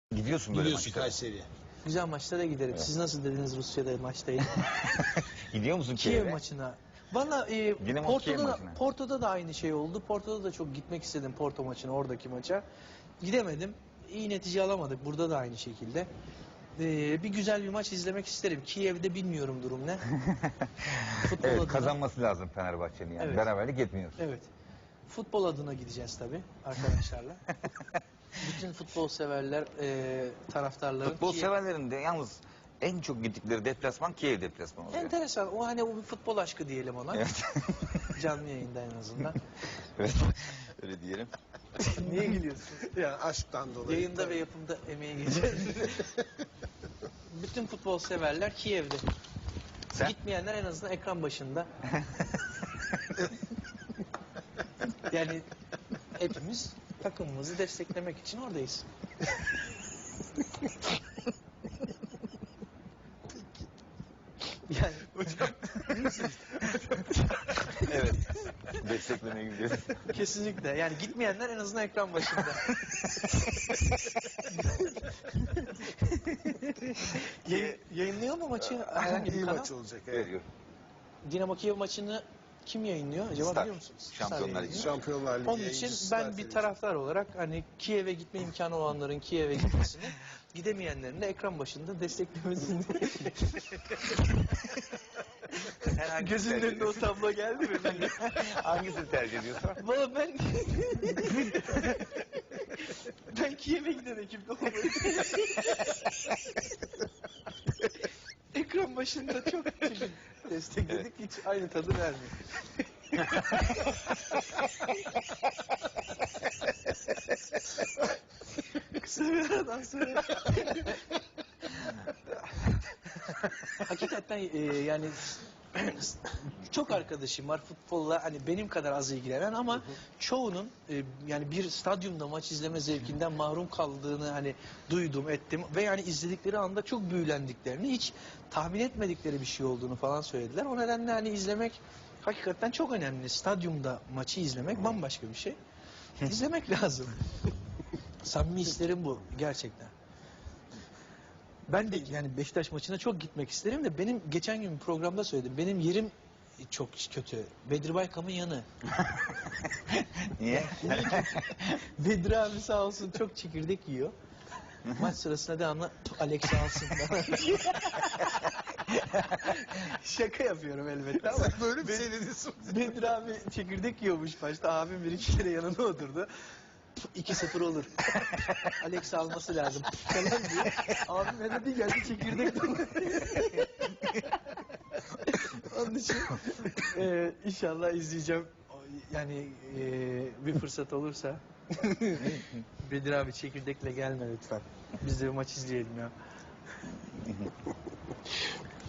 Gidiyorsun böyle Gidiyorsun maçlara. Kayseri'ye. Güzel maçlara giderim. Evet. Siz nasıl dediniz Rusya'da maçtayım? Gidiyor musun Kiev Kiev'e? maçına. Valla Dinamo Kiev Porto'da, maçına. Porto'da da aynı şey oldu. Porto'da da çok gitmek istedim Porto maçına, oradaki maça. Gidemedim. İyi netice alamadık. Burada da aynı şekilde. Bir güzel bir maç izlemek isterim. Kiev'de bilmiyorum durum ne. Futbol Evet, adına. kazanması lazım Fenerbahçe'nin yani. Evet. Beraberlik yetmiyor. Evet. Futbol adına gideceğiz tabii arkadaşlarla. Bütün futbol severler, taraftarların. Futbol severlerin de yalnız en çok gittikleri deplasman Kiev deplasmanı oluyor. Enteresan. O hani o bir futbol aşkı diyelim ona. Evet. Canlı yayında en azından. Evet. Öyle diyelim. Niye gülüyorsun? Ya aşktan dolayı. Yayında ve yapımda emeği geçer. Bütün futbol severler Kiev'de. Sen? Gitmeyenler en azından ekran başında. Yani hepimiz takımımızı desteklemek için oradayız. Yani Evet. Desteklemeye gidiyoruz. kesinlikle. Yani gitmeyenler en azından ekran başında. Yayınlıyor mu maçı herhangi bir İyi kanal? maç olacak. Evet. Evet. Dinamo Kiev maçını kim yayınlıyor acaba, Star. biliyor musunuz? Şampiyonlar Star Ligi. yayınlıyor. Şampiyonlar Ligi Onun için yayıncısı ben Star bir Televizyon. taraftar olarak hani Kiev'e gitme imkanı olanların Kiev'e gitmesini, gidemeyenlerin de ekran başında desteklemesini. Sen hangisini Gözünün tercih önünde o ediyorsun? tablo geldi mi? Hangisini tercih ediyorsun? Valla ben Kiev'e giden ekipte olmayı ekran başında çok destekledik, hiç aynı tadı vermiyor. Kısa bir aradan sonra hakikaten yani çok arkadaşım var futbolla, hani benim kadar az ilgilenen ama çoğunun yani bir stadyumda maç izleme zevkinden mahrum kaldığını hani duydum ettim ve yani izledikleri anda çok büyülendiklerini, hiç tahmin etmedikleri bir şey olduğunu falan söylediler. O nedenle hani izlemek hakikaten çok önemli. Stadyumda maçı izlemek bambaşka bir şey. İzlemek lazım. Samimi hislerim bu gerçekten. Ben de yani Beşiktaş maçına çok gitmek isterim de benim geçen gün bir programda söyledim. Benim yerim çok kötü. Bedri Baykam'ın yanı. Niye? Bedri abi sağ olsun çok çekirdek yiyor. Maç sırasında devamlı Alex alsın. Şaka yapıyorum elbette ama. Sen böyle bir şey dedin. Bedri abi çekirdek yiyormuş başta. Abim bir iki kere yanına oturdu. 2-0 olur. Alex alması lazım falan diye. Abim ne dedi, geldi çekirdek. Onun için inşallah izleyeceğim. Yani bir fırsat olursa. Bedir abi çekirdekle gelme lütfen. Biz de bir maç izleyelim ya.